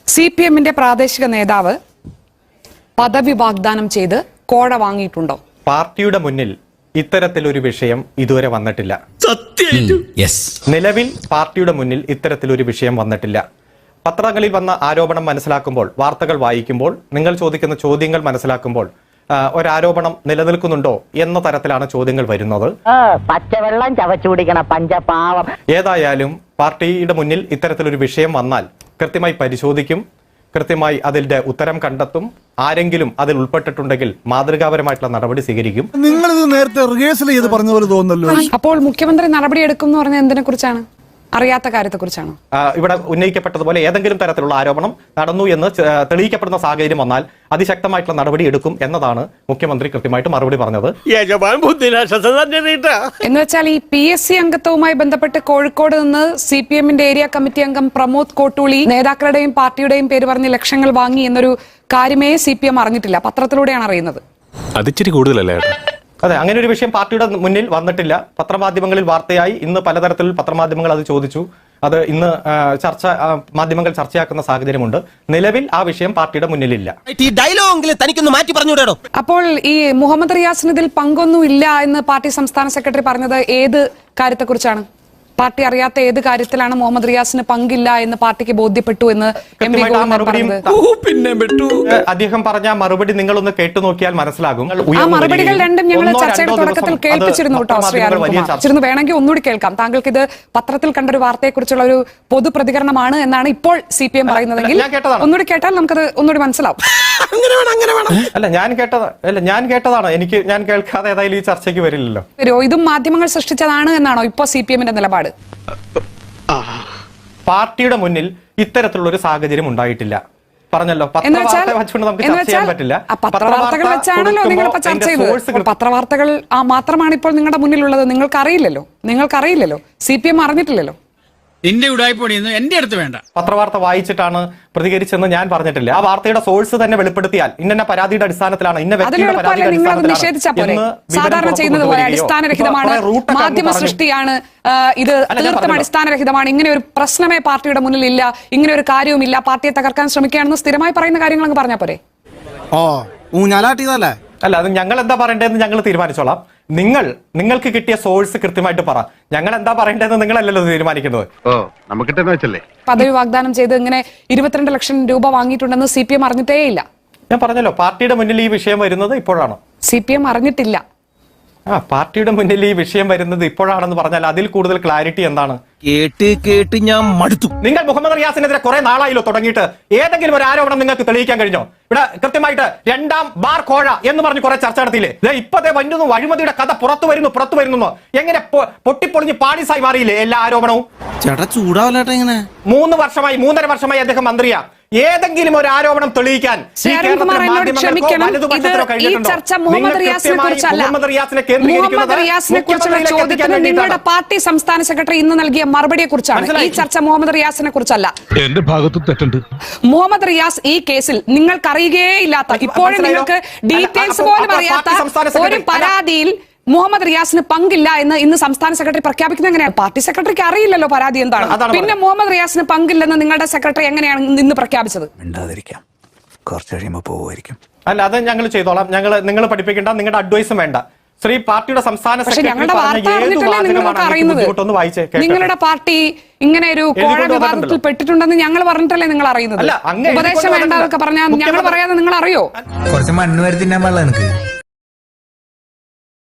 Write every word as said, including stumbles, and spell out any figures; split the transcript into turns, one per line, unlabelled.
C P എമ്മിന്റെ പ്രാദേശിക നേതാവ് പദവി വാഗ്ദാനം ചെയ്ത് കോഴ വാങ്ങിയിട്ടുണ്ടോ?
പാർട്ടിയുടെ മുന്നിൽ ഇത്തരത്തിലൊരു വിഷയം ഇതുവരെ വന്നിട്ടില്ല. നിലവിൽ പാർട്ടിയുടെ മുന്നിൽ ഇത്തരത്തിലൊരു വിഷയം വന്നിട്ടില്ല. പത്രങ്ങളിൽ വന്ന ആരോപണം മനസ്സിലാക്കുമ്പോൾ, വാർത്തകൾ വായിക്കുമ്പോൾ, നിങ്ങൾ ചോദിക്കുന്ന ചോദ്യങ്ങൾ മനസ്സിലാക്കുമ്പോൾ ഒരാരോപണം നിലനിൽക്കുന്നുണ്ടോ എന്ന തരത്തിലാണ് ചോദ്യങ്ങൾ വരുന്നത്.
പച്ചവെള്ളം ചവച്ചു കുടിക്കണ പഞ്ചപാവം.
ഏതായാലും പാർട്ടിയുടെ മുന്നിൽ ഇത്തരത്തിലൊരു വിഷയം വന്നാൽ കൃത്യമായി പരിശോധിക്കും, കൃത്യമായി അതിന്റെ ഉത്തരം കണ്ടെത്തും. ആരെങ്കിലും അതിൽ ഉൾപ്പെട്ടിട്ടുണ്ടെങ്കിൽ മാതൃകാപരമായിട്ടുള്ള നടപടി സ്വീകരിക്കും.
നിങ്ങൾ ഇത് നേരത്തെ റിഹേഴ്സൽ ചെയ്ത് പറഞ്ഞ പോലെ തോന്നുന്നല്ലോ.
അപ്പോൾ മുഖ്യമന്ത്രി നടപടി എടുക്കും എന്ന് പറഞ്ഞാൽ എന്തിനെ കുറിച്ചാണ്? അറിയാത്ത കാര്യത്തെ കുറിച്ചാണോ?
ഇവിടെ ഉന്നയിക്കപ്പെട്ടതുപോലെ ഏതെങ്കിലും തരത്തിലുള്ള ആരോപണം നടന്നു എന്ന് തെളിയിക്കപ്പെടുന്ന സാഹചര്യം വന്നാൽ അതിശക്തമായിട്ടുള്ള നടപടി എടുക്കും എന്നതാണ് മുഖ്യമന്ത്രി കൃത്യമായിട്ട് മറുപടി പറഞ്ഞത്.
എന്ന് വെച്ചാൽ ഈ പി എസ് സി അംഗത്വവുമായി ബന്ധപ്പെട്ട് കോഴിക്കോട് നിന്ന് സി പി എമ്മിന്റെ ഏരിയ കമ്മിറ്റി അംഗം പ്രമോദ് കോട്ടൂളി നേതാക്കളുടെയും പാർട്ടിയുടെയും പേര് പറഞ്ഞ് ലക്ഷങ്ങൾ വാങ്ങി എന്നൊരു കാര്യമേ സി പി എം അറിഞ്ഞിട്ടില്ല. പത്രത്തിലൂടെയാണ് അറിയുന്നത്.
അതിച്ചിരി കൂടുതലല്ലേ?
അതെ, അങ്ങനെ ഒരു വിഷയം പാർട്ടിയുടെ മുന്നിൽ വന്നിട്ടില്ല. പത്രമാധ്യമങ്ങളിൽ വാർത്തയായി. ഇന്ന് പലതരത്തിൽ പത്രമാധ്യമങ്ങൾ അത് ചോദിച്ചു. അത് ഇന്ന് ചർച്ച മാധ്യമങ്ങൾ ചർച്ചയാക്കുന്ന സാഹചര്യമുണ്ട്. നിലവിൽ ആ വിഷയം പാർട്ടിയുടെ മുന്നിലില്ല.
അപ്പോൾ ഈ മുഹമ്മദ് റിയാസിന് ഇതിൽ പങ്കൊന്നും ഇല്ല എന്ന് പാർട്ടി സംസ്ഥാന സെക്രട്ടറി പറഞ്ഞത് ഏത് കാര്യത്തെക്കുറിച്ചാണ്? പാർട്ടി അറിയാത്ത ഏത് കാര്യത്തിലാണ് മുഹമ്മദ് റിയാസിന് പങ്കില്ല എന്ന് പാർട്ടിക്ക് ബോധ്യപ്പെട്ടു എന്ന്
അദ്ദേഹം പറഞ്ഞ മറുപടി നിങ്ങളൊന്ന് കേട്ടു നോക്കിയാൽ മനസ്സിലാകും.
ആ മറുപടികൾ രണ്ടും ഞങ്ങൾ ചർച്ചയുടെ തുടക്കത്തിൽ കേൾപ്പിച്ചിരുന്നു കേട്ടോ ശ്രീ അരുൺകുമാർ. വേണമെങ്കിൽ ഒന്നുകൂടി കേൾക്കാം. താങ്കൾക്ക് ഇത് പത്രത്തിൽ കണ്ടൊരു വാർത്തയെക്കുറിച്ചുള്ള ഒരു പൊതു പ്രതികരണമാണ് എന്നാണ് ഇപ്പോൾ സി പി എം പറയുന്നതെങ്കിൽ ഒന്നുകൂടി കേട്ടാൽ നമുക്കത് ഒന്നുകൂടി മനസ്സിലാവും.
അല്ല ഞാൻ കേട്ടത് അല്ല ഞാൻ കേട്ടതാണ്. എനിക്ക് ഞാൻ കേൾക്കാതെ ഏതായാലും ഈ ചർച്ചയ്ക്ക് വരില്ലല്ലോ.
ഇതും മാധ്യമങ്ങൾ സൃഷ്ടിച്ചതാണ് എന്നാണോ ഇപ്പോ സി പി എമ്മിന്റെ നിലപാട്?
പാർട്ടിയുടെ മുന്നിൽ ഇത്തരത്തിലുള്ള ഒരു സാഹചര്യം ഉണ്ടായിട്ടില്ല. പറഞ്ഞല്ലോ, പത്രവാർത്തകൾ വെച്ചുകൊണ്ട് നമുക്ക് ചർച്ച ചെയ്യാൻ പറ്റില്ല.
പത്രവാർത്തകൾ വെച്ചാണല്ലോ നിങ്ങളിപ്പോ ചർച്ച ചെയ്തത്. പത്രവാർത്തകൾ ആ മാത്രമാണ് ഇപ്പോൾ നിങ്ങളുടെ മുന്നിലുള്ളത്. നിങ്ങൾക്ക് അറിയില്ലല്ലോ നിങ്ങൾക്ക് അറിയില്ലല്ലോ സി പി എം അറിഞ്ഞിട്ടില്ലല്ലോ.
നിന്റെ ഉടായ്പൊടിയൊന്നും എന്റെ അടുത്ത് വേണ്ട.
പത്രവാർത്ത വായിച്ചിട്ടാണ് പ്രതികരിച്ചെന്ന് ഞാൻ പറഞ്ഞിട്ടില്ല. ആ വാർത്തയുടെ സോഴ്സ് തന്നെ വെളിപ്പെടുത്തിയാൽ ഇന്ന പരാതിയുടെ അടിസ്ഥാനത്തിലാണ് ഇന്ന വ്യക്തിയുടെ പരാതിയുടെ
അടിസ്ഥാനത്തിലാണ് സാധാരണ ചെയ്യുന്നത് പോലെ അടിസ്ഥാനരഹിതമാണ്, മാധ്യമ സൃഷ്ടിയാണ്, ഇത് തീർത്തും അടിസ്ഥാനരഹിതമാണ്, ഇങ്ങനെ ഒരു പ്രശ്നമേ പാർട്ടിയുടെ മുന്നിൽ ഇല്ല, ഇങ്ങനെ ഒരു കാര്യവുമില്ല, പാർട്ടിയെ തകർക്കാൻ ശ്രമിക്കുകയാണെന്ന് സ്ഥിരമായി പറയുന്ന കാര്യങ്ങൾ അങ്ങ് പറഞ്ഞാൽ പോരെ?
ഓ ഊഞ്ഞാലാട്ടിയതല്ലേ?
അല്ല, അത് ഞങ്ങൾ എന്താ പറയേണ്ടതെന്ന് ഞങ്ങൾ തീരുമാനിച്ചോളാം. നിങ്ങൾ നിങ്ങൾക്ക് കിട്ടിയ സോഴ്സ് കൃത്യമായിട്ട് പറ. ഞങ്ങൾ എന്താ പറയേണ്ടതെന്ന് നിങ്ങളല്ലല്ലോ തീരുമാനിക്കുന്നത്.
പദവി വാഗ്ദാനം ചെയ്ത് ഇങ്ങനെ ഇരുപത്തിരണ്ട് ലക്ഷം രൂപ വാങ്ങിയിട്ടുണ്ടെന്ന് സി പി എം അറിഞ്ഞിട്ടേ ഇല്ല.
ഞാൻ പറഞ്ഞല്ലോ, പാർട്ടിയുടെ മുന്നിൽ ഈ വിഷയം വരുന്നത് ഇപ്പോഴാണോ?
സി പി എം അറിഞ്ഞിട്ടില്ല.
ആ പാർട്ടിയുടെ മുന്നിൽ ഈ വിഷയം വരുന്നത് ഇപ്പോഴാണെന്ന് പറഞ്ഞാൽ അതിൽ കൂടുതൽ ക്ലാരിറ്റി എന്താണ്?
കേട്ട് കേട്ട് ഞാൻ മടുത്തു.
നിങ്ങൾ മുഹമ്മദ് റിയാസിനെതിരെ കുറെ നാളായില്ലോ തുടങ്ങിയിട്ട്. ഏതെങ്കിലും ഒരു ആരോപണം നിങ്ങൾക്ക് തെളിയിക്കാൻ കഴിഞ്ഞോ? ഇവിടെ കൃത്യമായിട്ട് രണ്ടാം ബാർ കോഴ എന്ന് പറഞ്ഞ് കുറെ ചർച്ച നടത്തിയില്ലേ? ഇപ്പത്തെ വരുന്നു അഴിമതിയുടെ കഥ പുറത്തു വരുന്നു പുറത്തു വരുന്നു എങ്ങനെ പൊട്ടിപ്പൊളിഞ്ഞ് പാടിസായി മാറിയില്ലേ എല്ലാ ആരോപണവും?
ചേട്ടാ ചൂടാവല്ലേട്ടാ. ഇങ്ങനെ
മൂന്ന് വർഷമായി മൂന്നര വർഷമായി അദ്ദേഹം മന്ത്രിയാ. ഏതെങ്കിലും ഒരു ആരോപണം തെളിയിക്കാൻ
നിങ്ങളുടെ പാർട്ടി സംസ്ഥാന സെക്രട്ടറി ഇന്ന് നൽകിയ മറുപടിയെ കുറിച്ചാണ്. ഈ ചർച്ച മുഹമ്മദ് റിയാസിനെ കുറിച്ചല്ല.
എന്റെ ഭാഗത്തും തെറ്റുണ്ട്.
മുഹമ്മദ് റിയാസ് ഈ കേസിൽ നിങ്ങൾക്ക് അറിയുകയേ ഇല്ലാത്ത, ഇപ്പോഴും നിങ്ങൾക്ക് ഡീറ്റെയിൽസ് പോലും അറിയാത്ത ഒരു പരാതിയിൽ മുഹമ്മദ് റിയാസിന് പങ്കില്ല എന്ന് ഇന്ന് സംസ്ഥാന സെക്രട്ടറി പ്രഖ്യാപിക്കുന്നത് എങ്ങനെയാണ്? പാർട്ടി സെക്രട്ടറിക്ക് അറിയില്ലല്ലോ പരാതി എന്താണ്. പിന്നെ മുഹമ്മദ് റിയാസിന് പങ്കില്ലെന്ന് നിങ്ങളുടെ സെക്രട്ടറി എങ്ങനെയാണ് ഇന്ന് പ്രഖ്യാപിച്ചത്?
കുറച്ച് കഴിയുമ്പോൾ പോവുമായിരിക്കും.
അല്ല, അത് ഞങ്ങൾ ചെയ്തോളാം. ഞങ്ങൾ നിങ്ങൾ പഠിപ്പിക്കേണ്ട, നിങ്ങളുടെ അഡ്വൈസും വേണ്ട. ശ്രീ പാർട്ടിയുടെ സംസ്ഥാന
ഞങ്ങളുടെ വാർത്ത അറിഞ്ഞിട്ടല്ലേ നിങ്ങൾക്ക് അറിയുന്നത്? നിങ്ങളുടെ പാർട്ടി ഇങ്ങനെ ഒരു കോഴ വിവാദത്തിൽ പെട്ടിട്ടുണ്ടെന്ന് ഞങ്ങൾ പറഞ്ഞിട്ടല്ലേ നിങ്ങൾ അറിയുന്നത്? ഉപദേശം വേണ്ട എന്നൊക്കെ പറഞ്ഞാൽ ഞങ്ങൾ പറയാതെ നിങ്ങൾ അറിയോ?
കുറച്ച് മണ്ണ് വരുത്തിന്നാ എനിക്ക്